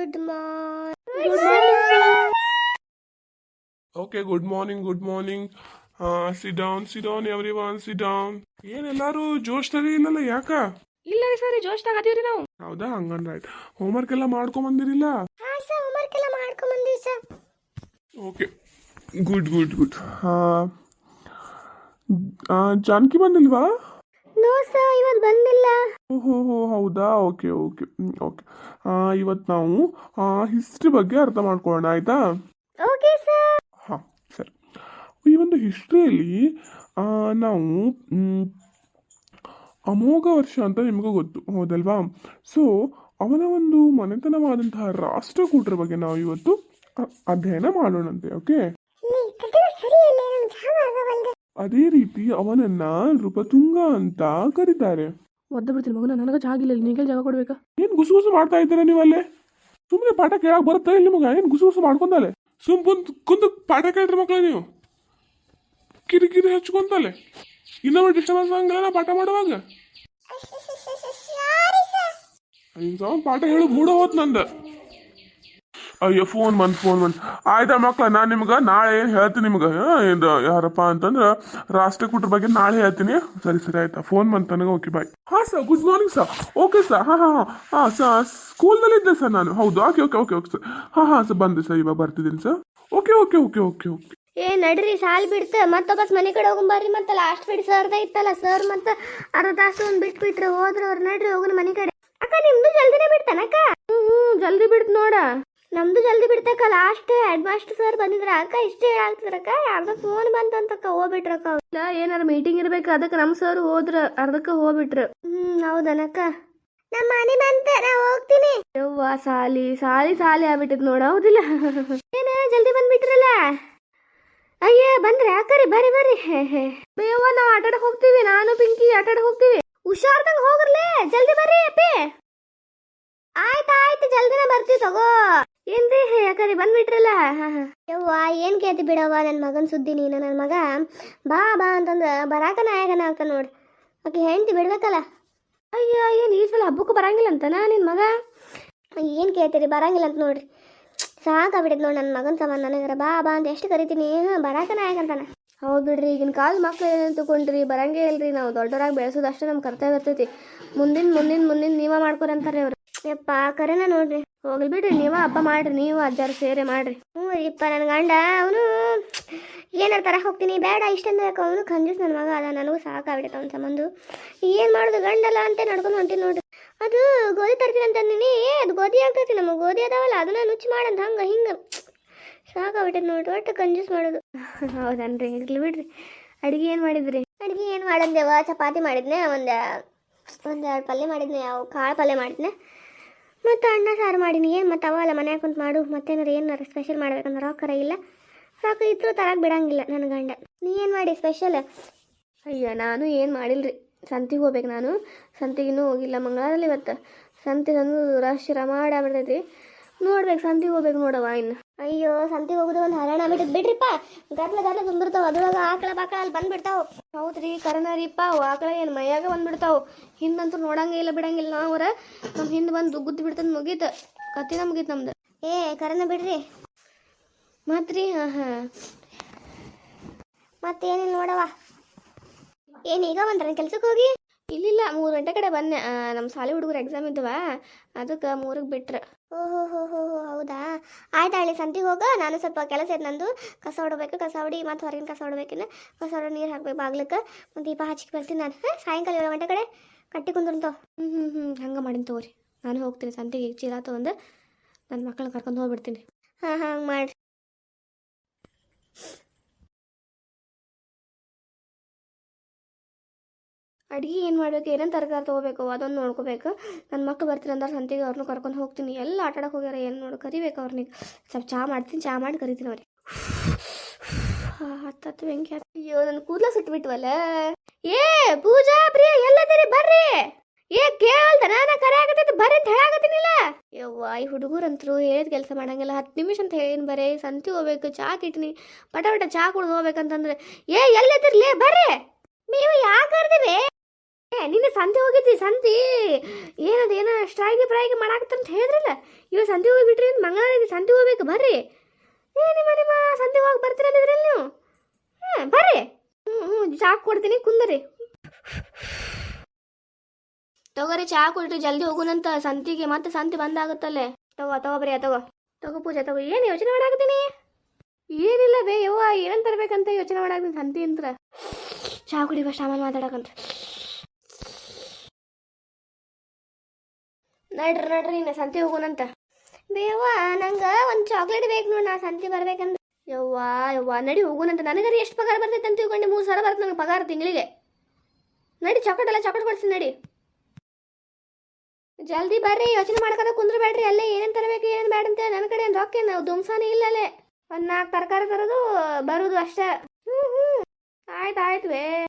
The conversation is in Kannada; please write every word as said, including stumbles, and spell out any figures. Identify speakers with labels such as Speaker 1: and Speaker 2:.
Speaker 1: Good morning. Good morning, sir.
Speaker 2: Okay, good morning, good morning. Uh, sit down, sit down, everyone, sit down. ಏನೆಲ್ಲಾರು ಜೋಶ್ನಾಗ ಇಲ್ಲಲ್ಲ ಯಾಕ?
Speaker 1: ಇಲ್ಲ ರೀ ಸರ್ ಜೋಶ್ನಾಗ ಅದೀವ್ರಿ ನಾವು.
Speaker 2: ಹೌದಾ ಹಂಗಂದ್ರೆ ಆಯ್ತು. ಹೋಮ್ವರ್ಕ್ ಎಲ್ಲ ಮಾಡ್ಕೊಂಡ್ ಬಂದಿರಿಲ್ಲ?
Speaker 1: ಹಾ ಸರ್ ಹೋಮ್ವರ್ಕ್ ಎಲ್ಲ ಮಾಡ್ಕೊಂಡ್ ಬಂದೀವಿ sir.
Speaker 2: Okay, good good good. Janaki ಬಂದಿಲ್ವಾ?
Speaker 1: ನೋ ಸರ್ ಇವತ್ತು ಬಂದಿಲ್ಲ.
Speaker 2: ಓಹೋ ಹೋ ಹೌದಾ, ಓಕೆ ಓಕೆ ಓಕೆ. ಇವತ್ತು ನಾವು ಹಿಸ್ಟ್ರಿ ಬಗ್ಗೆ ಅರ್ಥ ಮಾಡ್ಕೊಳ್ಳೋಣ ಆಯ್ತಾ?
Speaker 1: Okay sir.
Speaker 2: ಹಾಂ ಸರಿ. ಈ ಒಂದು ಹಿಸ್ಟ್ರಿಯಲ್ಲಿ ನಾವು ಮ್, ಅಮೋಘ ವರ್ಷ ಅಂತ ನಿಮಗೂ ಗೊತ್ತು ಹೌದಲ್ವಾ? ಸೊ ಅವನ ಒಂದು ಮನೆತನವಾದಂತಹ ರಾಷ್ಟ್ರಕೂಟರ ಬಗ್ಗೆ ನಾವು ಇವತ್ತು ಅ- ಅಧ್ಯಯನ ಮಾಡೋಣಂತೆ. ಓಕೆ, ಅದೇ ರೀತಿ ಅವನನ್ನ ನೃಪತುಂಗ ಅಂತ ಕರೀತಾರೆ.
Speaker 1: ಒದ್ದ ಬಿಡ್ತೀನಿ ಮಗನ, ನನಗೆ ಜಾಗ ಇಲ್ಲ, ನೀಗೆ ಜಾಗ ಕೊಡ್ಬೇಕಾ?
Speaker 2: ಏನ್ ಗುಸು ಗುಸು ಮಾಡ್ತಾ ಇದ್ದೀರಾ ನೀವಲ್ಲೇ? ಸುಮ್ಮನೆ ಪಾಠ ಕೇಳಕ್ ಬರುತ್ತೆ ಇಲ್ಲಿ ನಿಮಗೆ? ಏನ್ ಗುಸು ಗುಸು ಮಾಡ್ಕೊಂಡಲೆ? ಸುಮ್ ಕುಂತ್ ಕುಂತ ಪಾಠ ಕೇಳ್ರಿ ಮಕ್ಕಳ ನೀವು. ಕಿರಿಕಿರಿ ಹಚ್ಕೊಂತಲೆ ಇನ್ನೊಬ್ಬ ಡಿಸ್ಟರ್ಬೆನ್ಸ್ ಆಗಂಗಿಲ್ಲ ಪಾಠ ಮಾಡುವಾಗ. ನಿನ್ ಪಾಠ ಹೇಳು ಮೂಡ ಹೋತ್ ನಂದ. ಅಯ್ಯೋ ಫೋನ್ ಬಂದ್ ಫೋನ್ ಬಂದ್ ಆಯ್ತಾ ಮಕ್ಳ, ನಾನು ನಿಮ್ಗೆ ನಾಳೆ ಏನು ಹೇಳ್ತೀನಿ ನಿಮ್ಗೆ. ಇದು ಯಾರಪ್ಪ ಅಂತಂದ್ರೆ ರಾಷ್ಟ್ರಕೂಟರ ಬಗ್ಗೆ ನಾಳೆ ಹೇಳ್ತೀನಿ. ಸರಿ ಸರಿ ಆಯ್ತಾ, ಫೋನ್ ಬಂತು ನನಗೆ. Okay bye. ಹಾಂ sir, good morning sir. Okay sir, ಹಾಂ ಹಾಂ ಹಾಂ ಹಾಂ ಸರ್, ಸ್ಕೂಲ್ನಲ್ಲಿದ್ದೆ ಸರ್ ನಾನು. ಹೌದು, okay okay okay okay sir. ಹಾಂ ಹಾಂ ಸರ್, ಬಂದೆ ಸರ್, ಇವಾಗ ಬರ್ತಿದ್ದೀನಿ sir. Okay okay okay okay okay.
Speaker 1: ಏ ನಡ್ರಿ ಸಾಲ್ ಬಿಡ್ತ ಮತ್ತೊಬ್ಬಸ್ ಮನೆ ಕಡೆ ಹೋಗಂಬರ್ರಿ. ಮತ್ತೆ ಲಾಸ್ಟ್ ಬಿಡ್ ಸರ್ದ ಇತ್ತಲ್ಲ ಸರ್, ಮತ್ತೆ ಅರ್ಧ ತಾಸು ಒಂದ್ ಬಿಟ್ ಬಿಟ್ರೆ ಹೋದ್ರ ಅವ್ರು. ನಡ್ರಿ ಹೋಗೋಣ ಮನೆ ಕಡೆ. ಅಕ್ಕ ನಿಮ್ದು ಜಲ್ದಿನೇ ಬಿಡ್ತಾನಕ್ಕ? ಹ್ಮ್ ಹ್ಮ್ ಜಲ್ದಿ ಬಿಡ್ತ ನೋಡ. ನಮ್ದು ಜಲ್ದಿ ಬಿಡ್ತಕ್ಕ. ಲಾಸ್ಟ್ ಹೆಡ್ ಮಾಸ್ಟರ್ ಸರ್ ಬಂದಿದ್ರ ಅಕ್ಕ ಇಷ್ಟೇ ಆಗ್ತಿದ್ರಕ್ಕ. ಯಾರ್ದ ಫೋನ್ ಬಂತಂತಕ್ಕ ಹೋಗ್ಬಿಟ್ರಕ್ಕ. ಇಲ್ಲ ಏನಾರ ಮೀಟಿಂಗ್ ಇರ್ಬೇಕು, ಅದಕ್ಕೆ ನಮ್ ಸರ್ ಹೋದ್ರ ಅರ್ಧಕ್ಕ ಹೋಗ್ಬಿಟ್ರ. ಹ್ಮ್ ಹೌದನಕ್ಕ. ನಮ್ಮ ಮನೆ ಬಂತ, ನಾ ಹೋಗ್ತೀನಿ. ಯವ್ವ ಸಾಲಿ ಸಾಲಿ ಸಾಲಿ ಆಗ್ಬಿಟ್ಟದ್ ನೋಡ, ಹೌದಿಲ್ಲ? ಏನ ಜಲ್ದಿ ಬಂದ್ಬಿಟ್ರಲ್ಲ. ಅಯ್ಯ ಬಂದ್ರೆ ಅಕ್ಕರಿ ಬರ್ರಿ ಬರ್ರಿ. ಬೇವ ನಾವ್ ಆಟಾಡಕ್ ಹೋಗ್ತೀವಿ, ನಾನು ಪಿಂಕಿ ಆಟಾಡಕ್ ಹೋಗ್ತೀವಿ. ಹುಷಾರ್ದಂಗ್ ಹೋಗ್ರಲೇ, ಜಲ್ದಿ ಬರ್ರಿ ಅಪ್ಪಿ. ಆಯ್ತ ಆಯ್ತು ಜಲ್ದಿನ ಬರ್ತೀವಿ ತಗೋ. ಏನ್ರಿ ಯಾಕರಿ ಬಂದ್ಬಿಟ್ರಲ್ಲ? ಯವ್ವ ಏನ್ ಕೇಳ್ತಿ ಬಿಡವ್ವ, ನನ್ನ ಮಗನ್ ಸುದ್ದಿ ನೀನು. ನನ್ನ ಮಗ ಬಾ ಬಾ ಅಂತಂದ್ರ ಬರಾಕ ನಾಯಕನ ಆಗ್ತ ನೋಡ್ರಿ. ಆಕೆ ಹೆಂಡ್ತಿ ಬಿಡ್ಬೇಕಲ್ಲ. ಅಯ್ಯ ಏನ್ ಈ ಸಲ ಹಬ್ಬಕ್ಕೂ ಬರಂಗಿಲ್ಲ ಅಂತನ ನಿನ್ ಮಗ? ಏನ್ ಕೇಳ್ತೀರಿ, ಬರಂಗಿಲ್ಲ ಅಂತ ನೋಡ್ರಿ. ಸಾಕಾಗ್ಬಿಟ್ಟಿದ್ ನೋಡಿ ನನ್ನ ಮಗನ ಸಂಬಂಧ. ನನಗರ ಬಾ ಬಾ ಅಂತ ಎಷ್ಟು ಕರಿತೀನಿ, ಬರಾಕ ನಾಯಕ ಅಂತಾನ. ಹೌದು ಬಿಡ್ರಿ, ಈಗಿನ ಕಾಲ ಮಕ್ಳು ಏನೇನು ತಗೊಂಡ್ರಿ, ಬರಂಗೇ ಇಲ್ರಿ. ನಾವು ದೊಡ್ಡವರಾಗಿ ಬೆಳೆಸೋದು ಅಷ್ಟೇ ನಮ್ಮ ಕರ್ತವ್ಯ ಇರ್ತೈತಿ. ಮುಂದಿನ ಮುಂದಿನ ಮುಂದಿನ ನೀವ ಮಾಡ್ಕೊರಿ ಅಂತಾರೆ ಅವ್ರು. ಯಪ್ಪ ಕರೆನ ನೋಡ್ರಿ. ಹೋಗ್ಲಿ ಬಿಡ್ರಿ, ನೀವ ಹಬ್ಬ ಮಾಡ್ರಿ, ನೀವು ಅಜ್ಜಾರು ಸೇರೆ ಮಾಡ್ರಿ. ಹ್ಞೂ ಇಪ್ಪ ನನ್ನ ಗಂಡ ಅವನು ಏನಾರು ತರಕ್ಕೆ ಹೋಗ್ತೀನಿ ಬೇಡ ಇಷ್ಟಂದ ಯಾಕೆ, ಅವನು ಕಂಜೂಸ್ ನನ್ನ ಮಗ ಅದ. ನನಗೂ ಸಾಕಾಗ್ಬಿಟ್ಟೈತೆ ಅವ್ನ ಸಂಬಂಧ. ಏನು ಮಾಡೋದು, ಗಂಡಲ್ಲ ಅಂತ ನಡ್ಕೊಂಡು ಹೊಂಟೀನಿ ನೋಡ್ರಿ. ಅದು ಗೋಧಿ ತರ್ತೀನಿ ಅಂತ ಅಂದಿನಿ. ಅದು ಗೋಧಿ ಆಗ್ತೈತಿ, ನಮಗೆ ಗೋಧಿ ಅದಾವಲ್ಲ ಅದನ್ನ ನುಚ್ಚು ಮಾಡಂತ ಹಂಗೆ ಹಿಂಗೆ ಸಾಕಾಗ್ಬಿಟ್ಟೈತೆ ನೋಡ್ರಿ. ಒಟ್ಟು ಕಂಜೂಸ್ ಮಾಡೋದು. ಹೌದನ್ರಿ, ಇರ್ಲಿ ಬಿಡ್ರಿ. ಅಡುಗೆ ಏನು ಮಾಡಿದ್ರಿ? ಅಡುಗೆ ಏನು ಮಾಡಂದೇವ, ಚಪಾತಿ ಮಾಡಿದ್ನೆ, ಒಂದು ಒಂದು ಎರಡು ಪಲ್ಯ ಮಾಡಿದ್ನೆ, ಯಾವ ಕಾಳು ಪಲ್ಯ ಮಾಡಿದ್ನೆ, ಮತ್ತು ಅನ್ನ ಸಾರು ಮಾಡೀನಿ. ಏನು ಮತ್ತು ಅವಲ್ಲ ಮನ್ಯಾಗ ಕುಂತು ಮಾಡು. ಮತ್ತೇನಾರು ಏನಾರು ಸ್ಪೆಷಲ್ ಮಾಡ್ಬೇಕಂದ್ರೆ ರೊಕ್ಕರ ಇಲ್ಲ. ಸಾಕು ಇದ್ರು ತರಕ್ಕೆ ಬಿಡಂಗಿಲ್ಲ ನನ್ನ ಗಂಡ. ನೀ ಏನು ಮಾಡಿ ಸ್ಪೆಷಲ್? ಅಯ್ಯ ನಾನು ಏನು ಮಾಡಿಲ್ರಿ. ಸಂತಿಗೆ ಹೋಗ್ಬೇಕು ನಾನು. ಸಂತಿಗಿನ್ನೂ ಹೋಗಿಲ್ಲ. ಮಂಗಳವಾರಲ್ಲಿ ಇವತ್ತು ಸಂತಿಗೆ ಒಂದು ರಶ್ ರಮಾಡ ಆಗ್ಬಿಡ್ತೈತಿ. ನೋಡ್ಬೇಕು, ಸಂತಿಗೆ ಹೋಗ್ಬೇಕು ನೋಡವ ಇನ್ನು. ಅಯ್ಯೋ ಸಂತಿಗೆ ಹೋಗೋದು ಒಂದು ಹರಣ ಆಗ್ಬಿಟ್ಟದ್ ಬಿಡ್ರಿಪ್ಪ. ಗದ್ಲ ಗದ್ಲ ತುಂಬಿರ್ತಾವ, ಅದ್ರೊಳಗೆ ಆಕಳ ಬಾಕಳ ಅಲ್ಲಿ ಬಂದ್ಬಿಡ್ತಾವ. ಹೌದ್ರಿ ಕರನ ರೀಪ್ಪ, ಅವು ಆಕಳ ಏನು ಮೈಯಾಗ ಬಂದ್ಬಿಡ್ತಾವ. ಹಿಂದಂತೂ ನೋಡಂಗೆ ಇಲ್ಲ ಬಿಡಂಗಿಲ್ಲ. ನಾವ್ರ ನಮ್ಮ ಹಿಂದೆ ಬಂದು ಗುದ್ದು ಬಿಡ್ತಂದು ಮುಗೀತ ಕತ್ತಿನ ಮುಗೀತು ನಮ್ದು. ಏ ಕರನ ಬಿಡ್ರಿ ಮತ್ರಿ. ಹಾಂ ಹಾಂ ಮತ್ತೇನಿಲ್ಲ ನೋಡವ. ಏನು ಈಗ ಬಂದ್ರ ಕೆಲ್ಸಕ್ಕೆ ಹೋಗಿ? ಇಲ್ಲಿಲ್ಲ, ಮೂರು ಗಂಟೆ ಕಡೆ ಬಂದೆ. ನಮ್ಮ ಶಾಲೆ ಹುಡುಗರು ಎಕ್ಸಾಮ್ ಇದ್ದವ, ಅದಕ್ಕೆ ಮೂರಿಗೆ ಬಿಟ್ರೆ. ಓಹೋ ಹೋ ಹೋ ಹೋ ಹೌದಾ. ಆಯ್ತು ಹಳ್ಳಿ ಸಂತಿಗೆ ಹೋಗ. ನಾನು ಸ್ವಲ್ಪ ಕೆಲಸ ಐತೆ ನಂದು. ಕಸ ಹೊಡಬೇಕು, ಕಸ ಹೊಡಿ ಮತ್ತು ಹೊರಗಿನ ಕಸ ಹೊಡ್ಬೇಕಿನ್ನ. ಕಸ ಹೊಡ ನೀರು ಹಾಕ್ಬೇಕು ಬಾಗ್ಲಕ್ಕೆ. ಮತ್ತು ದೀಪ ಹಚ್ಚಿಗೆ ಬರ್ತೀನಿ ನಾನು. ಹಾಂ ಸಾಯಂಕಾಲ ಏಳು ಗಂಟೆ ಕಡೆ ಕಟ್ಟಿ ಕುಂದ್ರಂತಾವ. ಹ್ಞೂ ಹ್ಞೂ ಹ್ಞೂ ಹಂಗೆ ಮಾಡಿನ ತಗೋರಿ. ನಾನು ಹೋಗ್ತೀನಿ ಸಂತಿಗೆ ಚೀಲ ತೊಗೊಂಡು ನನ್ನ ಮಕ್ಕಳನ್ನ ಕರ್ಕೊಂಡು ಹೋಗ್ಬಿಡ್ತೀನಿ. ಹಾಂ ಹಾಂ ಹಂಗೆ ಮಾಡಿರಿ. ಅಡುಗೆ ಏನು ಮಾಡಬೇಕು, ಏನೇನು ತರಕಾರಿ ತೊಗೋಬೇಕು ಅದೊಂದು ನೋಡ್ಕೋಬೇಕು. ನನ್ನ ಮಕ್ಕಳು ಬರ್ತೀನಿ ಅಂದ್ರೆ ಸಂತಿಗೆ ಅವ್ರನ್ನೂ ಕರ್ಕೊಂಡು ಹೋಗ್ತೀನಿ. ಎಲ್ಲ ಆಟಾಡಕ್ಕೆ ಹೋಗ್ಯಾರ, ಏನು ನೋಡಿ ಕರಿಬೇಕು ಅವ್ರನಿಗೆ. ಸ್ವಲ್ಪ ಚಹಾ ಮಾಡ್ತೀನಿ, ಚಹಾ ಮಾಡಿ ಕರಿತೀನಿ ಅವ್ರಿಗೆ. ಹತ್ತತ್ತು ಬೆಂಕಿ ಹತ್ತು. ಅಯ್ಯೋ ನನ್ನ ಕೂದಲ ಸುಟ್ಬಿಟ್ವಲ್ಲ. ಏ ಪೂಜಾ ಪ್ರಿಯ ಎಲ್ಲದಿರಿ ಬರ್ರಿ. ಏ ಕೇಳ್ದ ನಾನು ಕರೆ ಆಗತ್ತೈತಿ ಬರ್ರಿ ಅಂತ ಹೇಳಾಕತ್ತೀನಿಲ್ಲ. ಯವ್ವ ಈ ಹುಡುಗರಂತರು ಹೇಳಿದ ಕೆಲಸ ಮಾಡಂಗಿಲ್ಲ. ಹತ್ತು ನಿಮಿಷ ಅಂತ ಹೇಳಿನ ಬರೀ ಸಂತಿ ಹೋಗ್ಬೇಕು, ಚಹಾ ಕಿಟ್ಟಿನಿ ಪಟ ಪಟ ಚಹಾ ಕುಡ್ದು ಹೋಗ್ಬೇಕಂತಂದ್ರೆ ಏ ಎಲ್ಲದಿರ್ಲಿ ಬರ್ರಿ. ನೀವು ಯಾಕೆ ಕರ್ದಿವಿ? ನಿನ್ನೆ ಸಂತೆ ಹೋಗಿದ್ದಿ ಸಂತಿ ಏನದ ಏನೋ ಸ್ಟ್ರೈಕ್ ಫ್ರೈಕ್ ಮಾಡಾಕತ್ತಂತ ಹೇಳಿದ್ರಲ್ಲ ಇವಾಗ ಸಂತೆ ಹೋಗಿ ಬಿಟ್ರಿ ಅಂತ ಮಂಗಳವಾರ ಇದೆ ಸಂತೆ ಹೋಗ್ಬೇಕು ಬರ್ರಿ ಏ ನಿಮ್ಮ ನಿಮ್ಮ ಸಂತೆ ಹೋಗಿ ಬರ್ತೀರಲ್ಲಿದ್ರಲ್ಲಿ ನೀವು ಹಾಂ ಬರ್ರಿ ಹ್ಞೂ ಹ್ಞೂ ಚಾ ಕೊಡ್ತೀನಿ ಕುಂದರಿ ತಗೋರಿ ಚಾ ಕೊಡ್ರಿ ಜಲ್ದಿ ಹೋಗುನಂತ ಸಂತಿಗೆ ಮತ್ತೆ ಸಂತಿ ಬಂದಾಗುತ್ತಲ್ಲೇ ತಗೋ ತಗೋಬ್ರಿ ತಗೋ ತಗೋ ಪೂಜೆ ತಗೋ ಏನು ಯೋಚನೆ ಮಾಡಾಕತ್ತೀನಿ ಏನಿಲ್ಲ ಬೇ ಯವ್ವ ಏನಂತ ತರ್ಬೇಕಂತ ಯೋಚನೆ ಮಾಡಾಕತ್ತೀನಿ ಸಂತಿ ಅಂತ ಚಾ ಕುಡಿ ಫಸ್ಟ್ ಆಮೇಲೆ ಮಾತಾಡಕಂತ ನಡ್ರಿ ನಡ್ರಿ ಇನ್ನು ಸಂತಿ ಹೋಗೋಣಂತ ಬೇವ ನಂಗೆ ಒಂದು ಚಾಕ್ಲೇಟ್ ಬೇಕು ನೋಡಿ ನಾ ಸಂತಿ ಬರ್ಬೇಕಂದ್ರೆ ಯವ್ವ ಯವ್ವ ನಡಿ ಹೋಗೋಣಂತ ನನಗರಿ ಎಷ್ಟು ಪಗಾರ ಬರ್ತೈತೆ ಅಂತ ತಿಳ್ಕೊಂಡು ಮೂರು ಸಾವಿರ ಬರ್ತದೆ ನನಗೆ ಪಗಾರ ತಿಂಗಳಿಗೆ ನಡಿ ಚಾಕ್ಲೇಟ್ ಎಲ್ಲ ಚಾಕ್ಲೇಟ್ ಕೊಡ್ತೀನಿ ನಡಿ ಜಲ್ದಿ ಬರ್ರಿ ಯೋಚನೆ ಮಾಡ್ಕೊತ ಕುಂದ್ರ ಬೇಡ್ರಿ ಅಲ್ಲೇ ಏನೇನು ತರಬೇಕು ಏನೇನು ಬೇಡ ಅಂತ ನನ್ನ ಕಡೆ ಏನು ರೊಕ್ಕ ನಾವು ದುಮ್ಸಾನೇ ಇಲ್ಲ ಅಲ್ಲೇ ಒಂದು ನಾಲ್ಕು ತರಕಾರಿ ತರೋದು ಬರೋದು ಅಷ್ಟೇ ಹ್ಞೂ ಹ್ಞೂ ಆಯ್ತು ಆಯ್ತು ವೇ